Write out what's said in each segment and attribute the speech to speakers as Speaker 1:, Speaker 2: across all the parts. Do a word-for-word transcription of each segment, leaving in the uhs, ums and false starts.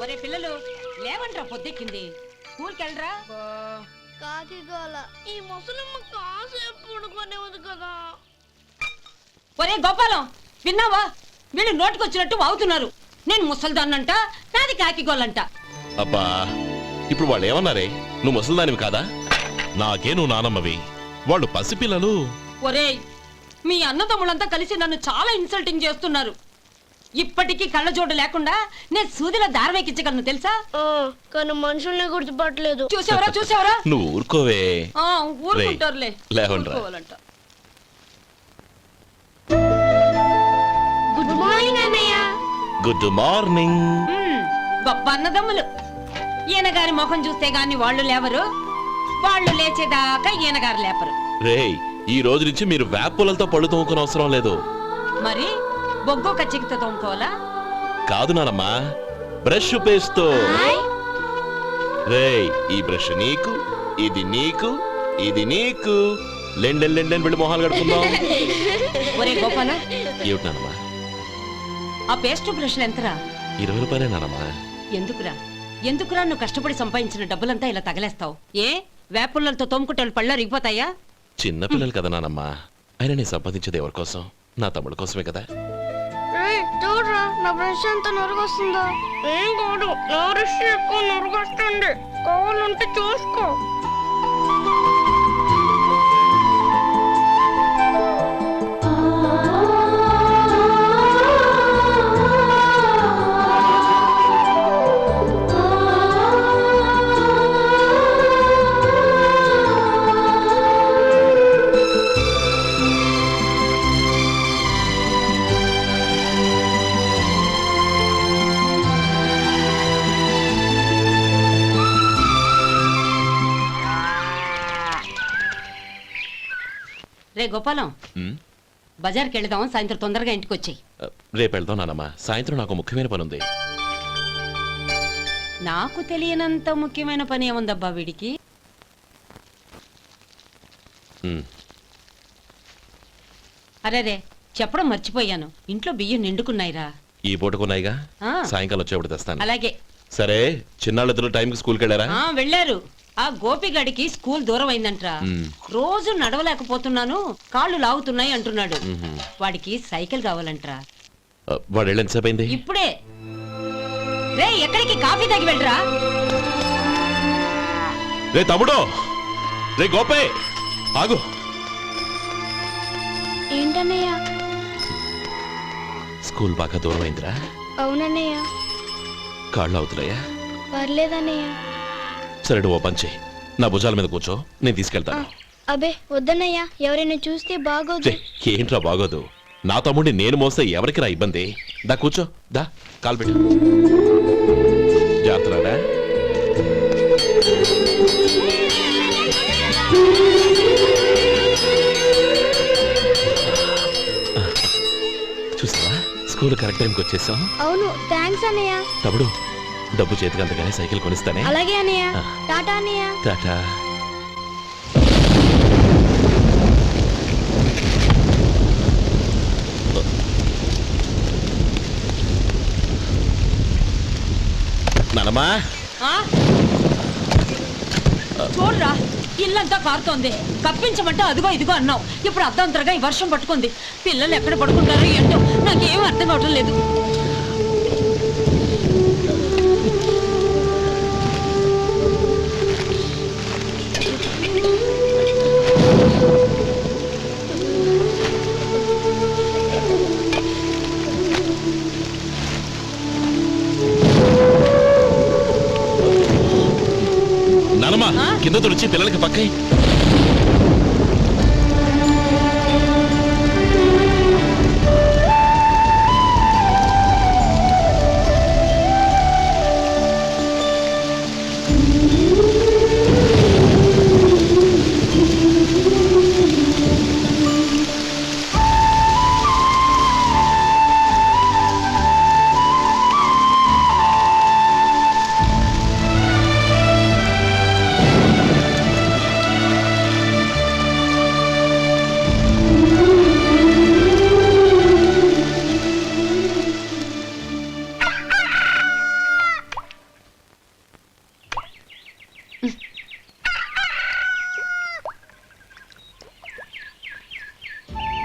Speaker 1: ఒరే పిల్లలు లేవంట్రా, పొద్దెక్కింది. స్కూల్కి వెళ్ళరా.
Speaker 2: కాకిగోల ఈ ముసలమ్మ కాసేపు పడుకోనివ్వదు కదా.
Speaker 1: ఒరే గోపాలం, విన్నావా? వీళ్ళు నోటికొచ్చినట్టు వాగుతున్నారు. నేను ముసల్దాన్నంట, నాది కాకిగోలంట.
Speaker 3: అబ్బా, ఇప్పుడు వాళ్ళు ఏమన్నారే? నువ్వు ముసల్దానివి కాదా? నాకే నువ్వు నానమ్మవి, వాళ్ళు పసిపిల్లలు.
Speaker 1: ఒరే, మీ అన్నదమ్ములంతా కలిసి నన్ను చాలా ఇన్సల్టింగ్ చేస్తున్నారు. ఇప్పటికీ కళ్ళజోడు లేకుండా నేను సూదిలో దారం ఎక్కించగలను తెలుసా?
Speaker 2: కానీ మనుషుల్ని గుర్తుపట్టలేదు.
Speaker 1: చూసావరా చూసావరా?
Speaker 3: నువ్వు ఊరుకోవే.
Speaker 1: ఊరుకుంటారులే.
Speaker 3: లేవండ్రా.
Speaker 2: గుడ్ మార్నింగ్ అన్నయ్య.
Speaker 3: Good morning.
Speaker 1: గొప్ప అన్నదమ్ములు. ఈయన గారి ముఖం చూస్తే గాని వాళ్ళు లేవరు, వాళ్ళు లేచేదాకా ఈయన గారు లేపరు.
Speaker 3: రేయ్, ఈ రోజు నుంచి మీరు వేపులతో పళ్ళు తోముకునే అవసరం లేదు.
Speaker 1: మరి బొగ్గో కచ్చికితో తోముకోవాలా?
Speaker 3: కాదు నానమ్మా, బ్రష్ పేస్తో. రేయ్, ఈ బ్రష్ నీకు, ఇది నీకు, ఇది నీకు. లెండెన్ లెండెన్ వెళ్ళి మొహాలు కడుకుందాం.
Speaker 1: ఒరే గోపాల,
Speaker 3: ఏమిటి నానమ్మా?
Speaker 1: ఆ పేస్ట్ బ్రష్లు ఎంతరా?
Speaker 3: ఇరవై రూపాయలే నానమ్మా.
Speaker 1: ఎందుకురా ఎందుకురా నువ్వు కష్టపడి సంపాదించిన డబ్బులంతా ఇలా తగలేస్తావు? ఏ వేపుల్లలతో తోముకుంటే పళ్ళ రిగిపోతాయా?
Speaker 3: చిన్న పిల్లలు కదా నానమ్మా. అయినా నేను సంపాదించేది ఎవరి కోసం? నా తమ్ముడు కోసమే కదా.
Speaker 2: చూడరా, నా బ్రష్ ఎంత నొరగొస్తుందో. ఏం కాదు, నా బ్రష్ ఎక్కువ నొరగొస్తుంది. కావాలంటే చూసుకో.
Speaker 1: రే గోపాలం, బజార్కి వెళదాం. సాయంత్రం తొందరగా ఇంటికి వచ్చాయి.
Speaker 3: రేపు వెళ్దాం నానమ్మా. సాయంత్రం నాకు ముఖ్యమైన పని ఉంది.
Speaker 1: నాకు తెలియనంత ముఖ్యమైన పని ఏముందబ్బా వీడికి? అరే రే, చెప్పడం మర్చిపోయాను. ఇంట్లో బియ్యం నిండుకున్నాయిరా.
Speaker 3: ఈ పూటకున్నాయిగా, సాయంకాలం వచ్చేప్పుడు తెస్తాను.
Speaker 1: అలాగే.
Speaker 3: సరే, చిన్నాళ్ళిద్దరు టైంకి స్కూల్కి వెళ్ళారా?
Speaker 1: వెళ్ళారు. ఆ గోపిగడికి స్కూల్ దూరం అయిందంట్రా. రోజు నడవలేకపోతున్నాను, కాళ్ళు లాగుతున్నాయి అంటున్నాడు. వాడికి సైకిల్ కావాలంట్రా.
Speaker 3: వాడు వెళ్ళి ఎంతసేపు అయింది?
Speaker 1: ఇప్పుడే. రే, ఎక్కడికి? కాఫీ తాగి వెళ్ళరా.
Speaker 3: రే తమ్ముడు, రే గోపే, ఆగు.
Speaker 2: ఏంటన్నయ్య?
Speaker 3: స్కూల్ బాగా దూరం అయిందిరా.
Speaker 2: అవునన్నయ్య.
Speaker 3: కాళ్ళు అవుతున్నాయా?
Speaker 2: పర్లేదన్నయ్య.
Speaker 3: సరే, ఓ పంచే, నా భుజాల మీద కూర్చో, నేను తీసుకెళ్తాను.
Speaker 2: అబే వద్దన్నయ్య, ఎవరైనా చూస్తే బాగోదు.
Speaker 3: ఏంట్రా బాగోదు? నా తమ్ముడిని నేను మోస్తే ఎవరికి రా ఇబ్బంది? దా కూర్చో, దా, కాలు పెట్టు. జాగ్రత్తరా. చూసావా, స్కూల్ కరెక్ట్ టైంకి వచ్చేసాం.
Speaker 2: అవును, థ్యాంక్స్ అన్నయ్య.
Speaker 3: తమ్ముడు, డబ్బు చేతికి అంతగానే సైకిల్ కొనిస్తానే.
Speaker 2: అలాగే అన్నయ్య. టాటా అన్నయ్య.
Speaker 3: టాటా. నానమ్మా,
Speaker 1: చూడరా, ఇల్లంతా కారుతోంది. కప్పించమంటే అదిగో ఇదిగో అన్నావు. ఇప్పుడు అర్ధంతరగా ఈ వర్షం పట్టుకుంది. పిల్లలు ఎక్కడ పడుకుంటారో ఏంటో నాకేం అర్థం కావటం లేదు.
Speaker 3: కింద తుడిచి పిల్లలకి పక్కై.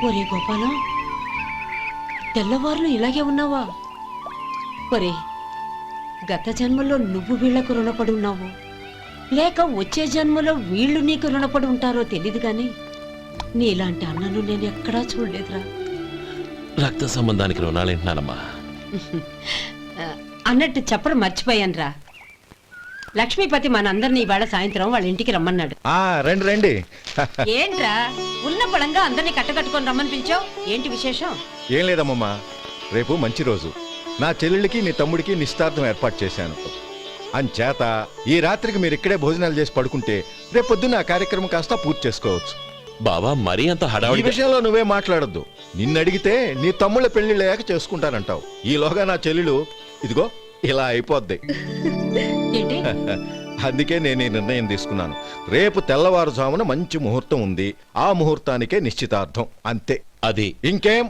Speaker 1: ఒరే గోపాలం, తెల్లవారులు ఇలాగే ఉన్నావా? ఒరే, గత జన్మలో నువ్వు వీళ్లకు రుణపడి ఉన్నావు, లేక వచ్చే జన్మలో వీళ్ళు నీకు రుణపడి ఉంటారో తెలీదు గాని నీలాంటి అన్నను నేను ఎక్కడా చూడలేదురా.
Speaker 3: రక్త సంబంధానికి రుణాలేంటున్నానమ్మా.
Speaker 1: ఆ, అన్నట్టు చెప్పడం మర్చిపోయానురా. లక్ష్మీపతి మనందరినీ ఇవాళ సాయంత్రం వాళ్ళ ఇంటికి రమ్మన్నాడు.
Speaker 4: ఆ రండి రండి.
Speaker 1: ఏంట్రా ఉన్న పడంగా అందరినీ కట్టకట్టుకొని రమ్మని పిలిచావు? ఏంటి విశేషం?
Speaker 4: ఏం లేదమ్మమ్మా, రేపు మంచి రోజు. నా చెల్లెళ్ళకి నీ తమ్ముడికి నిశ్చితార్థం ఏర్పాటు చేశాను. అంచేత ఈ రాత్రికి మీరు ఇక్కడే భోజనాలు చేసి పడుకుంటే రేపు పొద్దున్న ఆ కార్యక్రమం కాస్త పూర్తి చేసుకోవచ్చు.
Speaker 3: బావా మరీ అంత
Speaker 4: ఈ
Speaker 3: హడావుడి
Speaker 4: విషయంలో నువ్వే మాట్లాడొద్దు. నిన్ను అడిగితే నీ తమ్ముళ్ళ పెళ్లిళ్ళయ్యాక చేసుకుంటానంటావు. ఈలోగా నా చెల్లెలు ఇదిగో ఇలా అయిపోద్ది.
Speaker 1: ఏంటి?
Speaker 4: అందుకే నేను ఈ నిర్ణయం తీసుకున్నాను. రేపు తెల్లవారుజామున మంచి ముహూర్తం ఉంది. ఆ ముహూర్తానికే నిశ్చితార్థం, అంతే.
Speaker 3: అది
Speaker 4: ఇంకేం?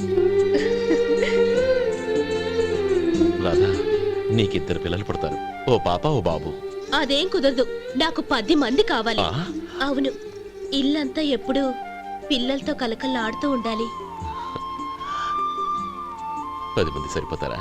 Speaker 3: రాధా, నీకిద్దరు పిల్లలు పుడతారు, ఓ పాప ఓ బాబు.
Speaker 2: అదేం కుదరదు, నాకు పది మంది కావాలి.
Speaker 3: ఆ?
Speaker 2: అవును, ఇల్లంతా ఎప్పుడు పిల్లలతో కలకల్లాడుతూ ఉండాలి.
Speaker 3: పది మంది సరిపోతారా?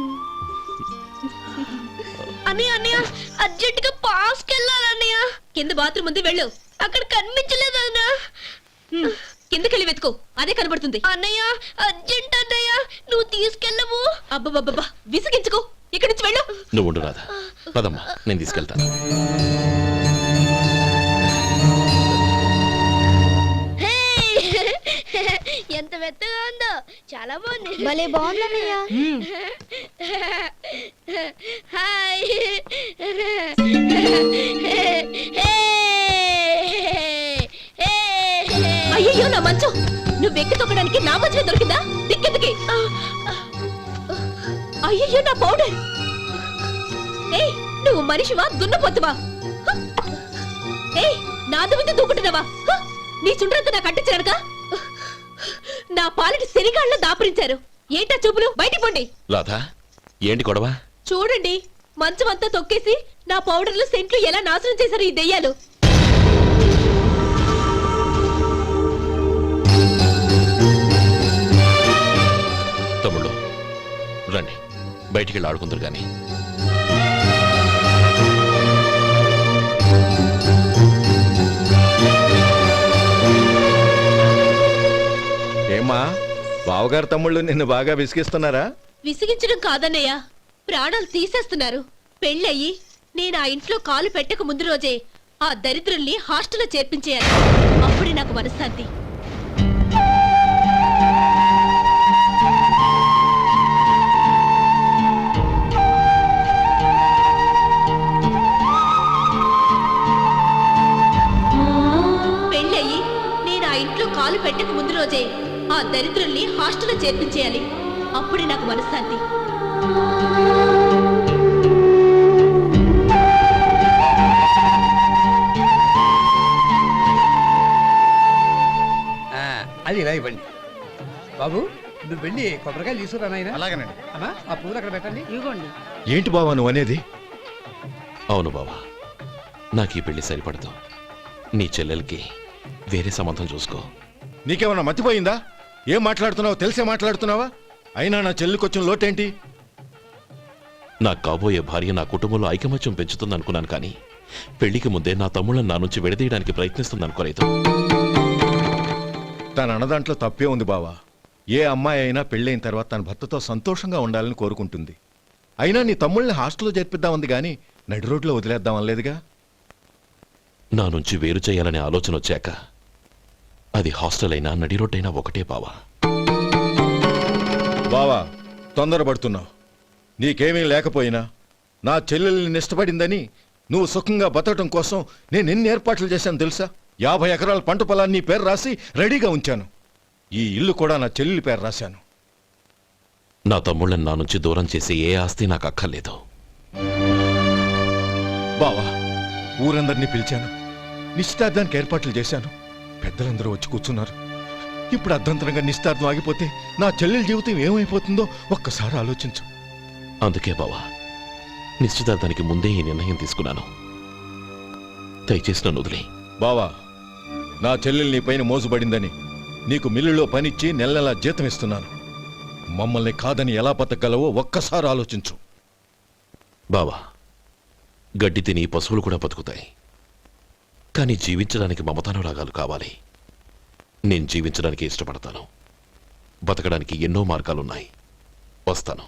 Speaker 2: అన్నయ్య అన్నయ్య, అర్జెంట్ గా పాస్ కెళ్ళాలన్నయ్య. కింద బాత్రూమ్ ఉంది, వెళ్ళు. అక్కడ కనిపించలేదు అన్నా. కిందకెళ్ళి వెతుకో, అదే కనబడుతుంది. అన్నయ్య అర్జెంట్ అన్నయ్య, నువ్వు తీసుకెళ్ళవు. అబ్బబ్బబ్బా, విసిగించుకో, ఇక్కడి నుంచి వెళ్ళు.
Speaker 3: నువ్వు ఉండు రాధా, పదమ్మా నేను తీసుకెళ్తాను.
Speaker 2: ఎంత మెత్తగా ఉందో, చాలా బాగుంది. భలే బాగుంది అన్నయ్య. హాయ్. అయ్యో నా మంచం, నువ్వు ఎక్కి తొక్కడానికి నా మంచమే దొరికిందా? దిక్కెందుకి? అయ్యో నా పౌడర్. ఏయ్, నువ్వు మనిషివా దున్నపోతువా? ఏయ్, నా దుమ్మితో దూకుంటున్నావా? నీ చుండ్రంతా నాకు అంటించడానికా? నా పాలిటి శనిగాళ్ళ దాపురించారు. ఏంటా చూపులు? బయటికి పోండి.
Speaker 3: రాధా, ఏంటి గొడవ?
Speaker 2: చూడండి, మంచం అంతా తొక్కేసి నా పౌడర్లు సెంట్లు ఎలా నాశనం చేశారు ఈ దెయ్యాలు.
Speaker 3: తమ్ముళ్ళు రండి, బయటికి వెళ్ళి ఆడుకుందరు గాని.
Speaker 4: ఏమ్మా, బావగారు తమ్ముళ్ళు నిన్ను బాగా విసిగిస్తున్నారా?
Speaker 2: విసిగించడం కాదన్నయ్య, ప్రాణాలు తీసేస్తున్నారు. పెళ్ళయి నేను ఆ ఇంట్లో కాలు పెట్టక ముందు రోజే ఆ దరిద్రుల్ని హాస్టల్లో చేర్పించేయాలి. అప్పుడే నాకు మనశ్శాంతి. పెళ్ళయి నేను ఆ ఇంట్లో కాలు పెట్టక ముందు రోజే ఆ దరిద్రుల్ని హాస్టల్లో చేర్పించేయాలి. అప్పుడే నాకు మనశ్శాంతి.
Speaker 5: అది ఇలా ఇవ్వండి బాబు. నువ్వు వెళ్ళి కొబ్బరికాయలు తీసుకురా నాయనా.
Speaker 4: అలాగేనండి.
Speaker 5: అమ్మా, ఆ పూలు అక్కడ పెట్టండి. ఇవ్వండి.
Speaker 4: ఏంటి బావా నువ్వు అనేది?
Speaker 3: అవును బావా, నాకు ఈ పెళ్లి సరిపడదు. నీ చెల్లెలకి వేరే సంబంధం చూసుకో.
Speaker 4: నీకేమన్నా మతిపోయిందా? ఏం మాట్లాడుతున్నావో తెలిసే మాట్లాడుతున్నావా? అయినా నా చెల్లికొచ్చిన లోటేంటి?
Speaker 3: నా కాబోయే భార్య నా కుటుంబంలో ఐకమత్యం పెంచుతుంది అనుకున్నాను, కానీ పెళ్లికి ముందే నా తమ్ముళ్ళని నా నుంచి విడదీయడానికి ప్రయత్నిస్తుంది అనుకోలేదు.
Speaker 4: తన అన్నదాంట్లో తప్పే ఉంది బావా. ఏ అమ్మాయి అయినా పెళ్ళైన తర్వాత తన భర్తతో సంతోషంగా ఉండాలని కోరుకుంటుంది. అయినా నీ తమ్ముళ్ళని హాస్టల్లో చేర్పిద్దామంది కానీ నడి రోడ్లో వదిలేద్దామనలేదుగా.
Speaker 3: నా నుంచి వేరు చేయాలనే ఆలోచన వచ్చాక అది హాస్టల్ అయినా నడి రోడ్డైనా ఒకటే బావా.
Speaker 4: బావా, తొందరపడుతున్నావు. నీకేమీ లేకపోయినా నా చెల్లెల్ని ఇష్టపడిందని నువ్వు సుఖంగా బతకటం కోసం నేను ఎన్ని ఏర్పాట్లు చేశాను తెలుసా? యాభై ఎకరాల పంట పొలాన్ని నీ పేరు రాసి రెడీగా ఉంచాను. ఈ ఇల్లు కూడా నా చెల్లెలి పేరు రాశాను.
Speaker 3: నా తమ్ముళ్ళని నా నుంచి దూరం చేసే ఏ ఆస్తి నాకు అక్కర్లేదు.
Speaker 4: బావా, ఊరందరినీ పిలిచాను, నిశ్చితార్థానికి ఏర్పాట్లు చేశాను. పెద్దలందరూ వచ్చి కూర్చున్నారు. ఇప్పుడు అర్ధంతరంగా నిశ్చితార్థం ఆగిపోతే నా చెల్లెలి జీవితం ఏమైపోతుందో ఒక్కసారి ఆలోచించు.
Speaker 3: అందుకే బావా, నిశ్చితార్థానికి ముందే ఈ నిర్ణయం తీసుకున్నాను. దయచేసి నన్ను వదిలే.
Speaker 4: బావా, నా చెల్లెలు నీ పైన మోసుబడిందని నీకు మిల్లులో పనిచ్చి నెల నెలా జీతం ఇస్తున్నాను. మమ్మల్ని కాదని ఎలా బతకగలవో ఒక్కసారి ఆలోచించు.
Speaker 3: బావా, గడ్డి తిని పశువులు కూడా బతుకుతాయి. కానీ జీవించడానికి మమతానురాగాలు కావాలి. నేను జీవించడానికి ఇష్టపడతాను. బతకడానికి ఎన్నో మార్గాలున్నాయి. వస్తాను.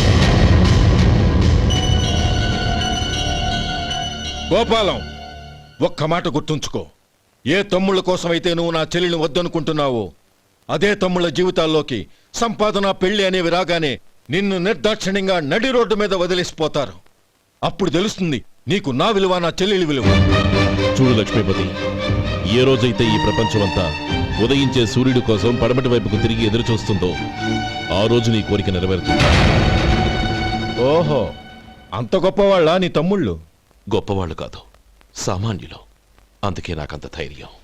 Speaker 4: గోపాలం, ఒక్క మాట గుర్తుంచుకో. ఏ తమ్ముళ్ళ కోసమైతే నువ్వు నా చెల్లిని వద్దనుకుంటున్నావో అదే తమ్ముళ్ళ జీవితాల్లోకి సంపాదన పెళ్లి అనేవి రాగానే నిన్ను నిర్దాక్షిణ్యంగా నడి రోడ్డు మీద వదిలేసిపోతారు. అప్పుడు తెలుస్తుంది నీకు నా విలువ, నా చెల్లెలి విలువ.
Speaker 3: చూడు లక్ష్మీపతి, ఏ రోజైతే ఈ ప్రపంచమంతా ఉదయించే సూర్యుడి కోసం పడమటి వైపుకు తిరిగి ఎదురు చూస్తుందో ఆ రోజు నీ కోరిక నెరవేరుతుంది.
Speaker 4: ఓహో, అంత గొప్పవాళ్ళా నీ తమ్ముళ్ళు?
Speaker 3: గొప్పవాళ్ళు కాదు, సామాన్యులు. అందుకే నాకంత ధైర్యం.